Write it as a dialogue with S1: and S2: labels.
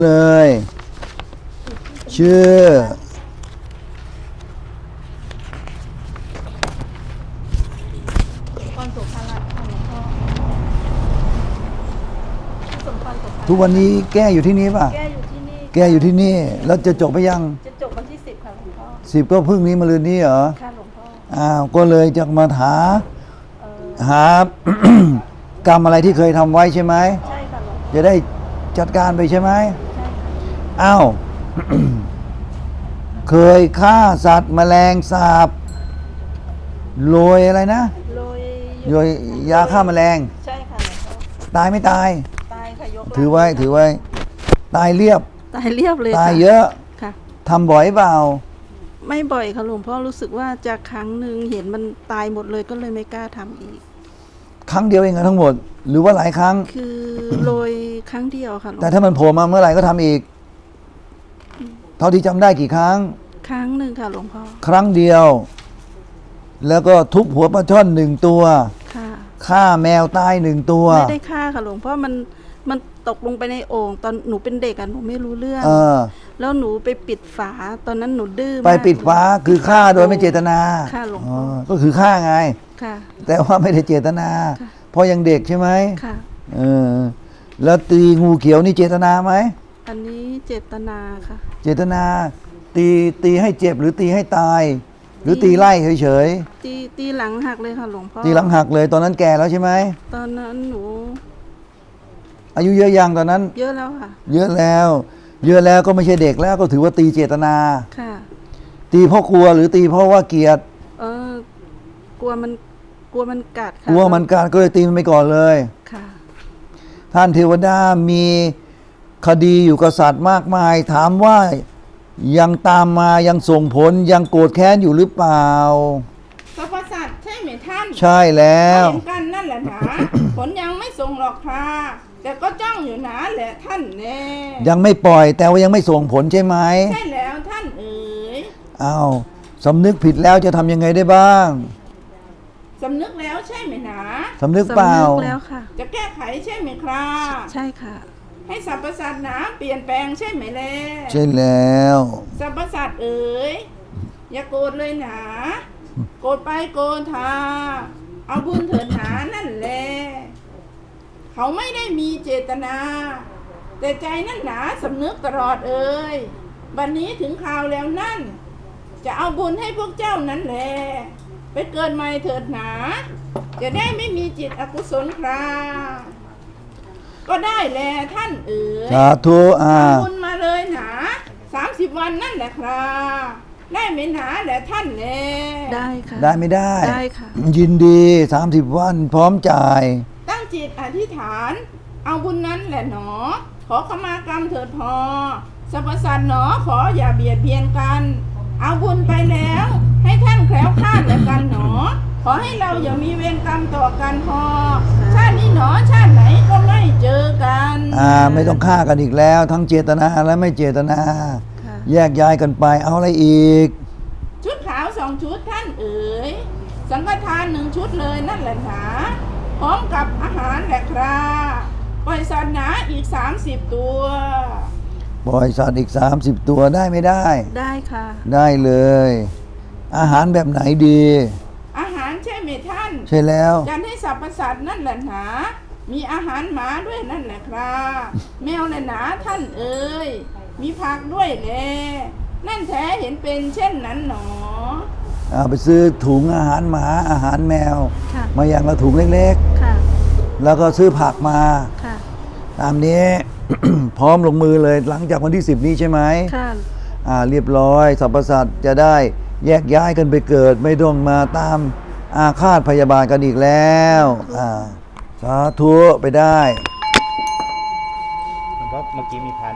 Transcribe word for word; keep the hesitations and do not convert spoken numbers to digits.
S1: เลยชื่อ
S2: พรสุภาลัยค่ะหลวงพ่อสมพรสุภาลัย
S1: ทุกวันนี้แก้อยู่ที่นี่ป่ะ
S2: แก้อยู่ที่นี่
S1: แก้อยู่ที่นี่แล้วจะจบไปยัง
S2: จะจบวันที่สิบค่ะหลวงพ่อ
S1: สิบก็พรุ่งนี้มะรืนนี้เหรอ
S2: ค่ะหลวงพ่อ
S1: อ้าวก็เลยจะมาหา
S2: เออ
S1: หา กรรมอะไรที่เคยทำไว้ใช่ไหม
S2: ใช่ค่ะหลวงพ่อ
S1: จะได้จัดการไปใช่ไหม
S2: ใช่ค่ะ
S1: อ้าว เคยฆ่าสัตว์แมลงสาบโรยอะไรนะ
S2: โรย
S1: โรยยาฆ่าแมลง
S2: ใช่ค่ะหลวงพ่อ
S1: ตายไม่ตาย
S2: ตายค่ะยก
S1: ถือไว้ถือไว้ ตายเรียบ
S2: ตายเรียบเลย
S1: ตาย
S2: ค่ะ
S1: เยอะ
S2: ค่ะ
S1: ทำบ่อยเปล่า
S2: ไม่บ่อยค่ะหลวงพ่อรู้สึกว่าจะครั้งหนึ่งเห็นมันตายหมดเลยก็เลยไม่กล้าทำอีก
S1: ครั้งเดียวเองเหรอทั้งหมด หรือว่าหลายครั้ง
S2: คือโรยครั้งเดียวค่ะหลวง
S1: แต่ถ้ามันโผล่มาเมื่อไหร่ก็ทำอีก เท่าที่จำได้กี่ครั้ง
S2: ครั้งหนึ่งค่ะหลวงพ่อ
S1: ครั้งเดียว แล้วก็ทุบหัวปลาช่อนหนึ่งตัว
S2: ค่ะ
S1: ฆ่าแมวตายหนึ่งตัว
S2: ไม่ได้ฆ่าค่ะหลวงพ่อมันมันตกลงไปในโอ่งตอนหนูเป็นเด็กอะหนูไม่รู้เรื่อง
S1: เออ
S2: แล้วหนูไปปิดฝาตอนนั้นหนูดื้อมาก
S1: ไปปิดฟ้าคือฆ่าโดยไม่เจตนา
S2: ค่ะหลวง
S1: อ๋
S2: พ่
S1: อ
S2: อ
S1: ก็คือฆ่าไง
S2: ค่ะ
S1: แต่ว่าไม่ได้เจตนา
S2: ค่ะ
S1: เพราะยังเด็กใช่ไหม
S2: ค่ะ
S1: เออ แล้วตีงูเขียวนี่เจตนาไหม
S2: อันนี้เจตนาค่ะ
S1: เจตนา ตีตีให้เจ็บหรือตีให้ตาย หรือตีไล่เฉย
S2: ตีตีหลังหักเลยค่ะหลวงพ่อ
S1: ๆตีหลังหักเลยตอนนั้นแก่แล้วใช่ไหม
S2: ตอนนั้นหนู
S1: อายุเยอะยังตอนนั้น
S2: เยอะแล้วค่ะ
S1: เยอะแล้ว เยอะแล้วก็ไม่ใช่เด็กแล้วก็ถือว่าตีเจตนา
S2: ค่ะ
S1: ตีเพราะกลัวหรือตีเพราะว่าเกลียด
S2: เออกลัวมันกลัวมันกัดค่ะ
S1: กลัวมันการก็เลยตีมันไปก่อนเลย
S2: ค่ะ
S1: ท่านเทวดามีคดีอยู่กับสัตว์มากมาย ถามว่ายังตามมายังส่งผลยังโกรธแค้นอยู่หรือเปล่า
S3: สรรพสัตว์ใช่ไหมท่าน
S1: ใช่แล้ว
S3: เห็นกันนั่นแหละหนา ผลยังไม่ส่งหรอกค่ะแต่ก็จ้องอยู่หนาแหละท่านแน่
S1: ยังไม่ปล่อยแต่ว่ายังไม่ส่งผลใช่ไหม
S3: ใช่แล้วท่านเอ๋ย
S1: อ้าวสำนึกผิดแล้วจะทำยังไงได้บ้าง
S3: สำนึกแล้วใช่ไหมหนา
S1: สำนึกเปล่า
S2: สำนึกแล้วค่ะ
S3: จะแก้ไขใช่ไหมครับ
S2: ใช่ค่ะ
S3: ให้สรรพสัตว์หนาเปลี่ยนแปลงใช่ไหมแล่
S1: ใช่แล้ว
S3: สรรพสัตว์เอ๋ยอย่าโกรธเลยหนาโกรธไปโกรธาเอาบุญเถิดหนานั่นแหละเขาไม่ได้มีเจตนา แต่ใจนั่นหนาสำนึกตลอดเอ่ยบัดนนี้ถึงคราวแล้วนั่น จะเอาบุญให้พวกเจ้านั้นแหละไปเกิดใหม่เถิดหนา จะได้ไม่มีจิตอกุศลคราก็ได้แลท่านเอ๋ย
S1: สาธุอ่า
S3: เอาบุญมาเลยหนาสามสิบวันนั่นแหละครับได้ไหมหนาแหละท่านแล
S2: ได้ค่ะ
S1: ได้ไม่ได้
S2: ได้ค่ะ
S1: ยินดีสามสิบวันพร้อมจ่าย
S3: ตั้งจิตอธิษฐาน เอาบุญนั้นแหละหนอ ขอขมากรรมเถิดพอสรรพสัตว์หนอขออย่าเบียดเบียนกัน เอาบุญไปแล้ว ให้ท่านแคล้วคลาดและกันหนอ ขอให้เราอย่ามีเวรกรรมต่อกันพอ ชาตินี้หนอชาติไหนก็ไม่เจอกัน
S1: อ่าไม่ต้องฆ่ากันอีกแล้ว ทั้งเจตนาและไม่เจตนา
S2: ค่ะ
S1: แยกย้ายกันไปเอาอะไรอีก
S3: ชุดขาวสองชุดท่านเอ๋ยสังฆทานหนึ่งชุดเลยนั่นแหละหนาพร้อมกับอาหารแหละครับปล่อยสัตว์หนาอีกสามสิบตัว
S1: ปล่อยสัตว์อีกสามสิบตัวได้ไม่ได้
S2: ได้ค่ะ
S1: ได้เลย อาหารแบบไหนดี
S3: อาหารใช่ไหมท่าน
S1: ใช่แล้ว
S3: จันให้สรรพสัตว์นั่นแหละหนา มีอาหารหมาด้วยนั่นแหละครับแมวแหละหนาท่านเอ๋ยมีผักด้วยแลนั่นแท้เห็นเป็นเช่นนั้นหนอ
S1: เอาไปซื้อถุงอาหารหมาอาหารแมว
S2: ค่ะ
S1: มาอย่างละถุงเล็ก
S2: ค่ะ
S1: ๆ แล้วก็ซื้อผักมา
S2: ค่ะ
S1: ตามนี้ พร้อมลงมือเลยหลังจากวันที่สิบนี้ใช่ไหม
S2: ค่ะ
S1: อ่าเรียบร้อยสรรพสัตว์จะได้แยกย้ายกันไปเกิด ไม่ต้องมาตามอาฆาตพยาบาทกันอีกแล้วอ่าสาธุไปได้
S4: เพราะเมื่อกี้มีพาน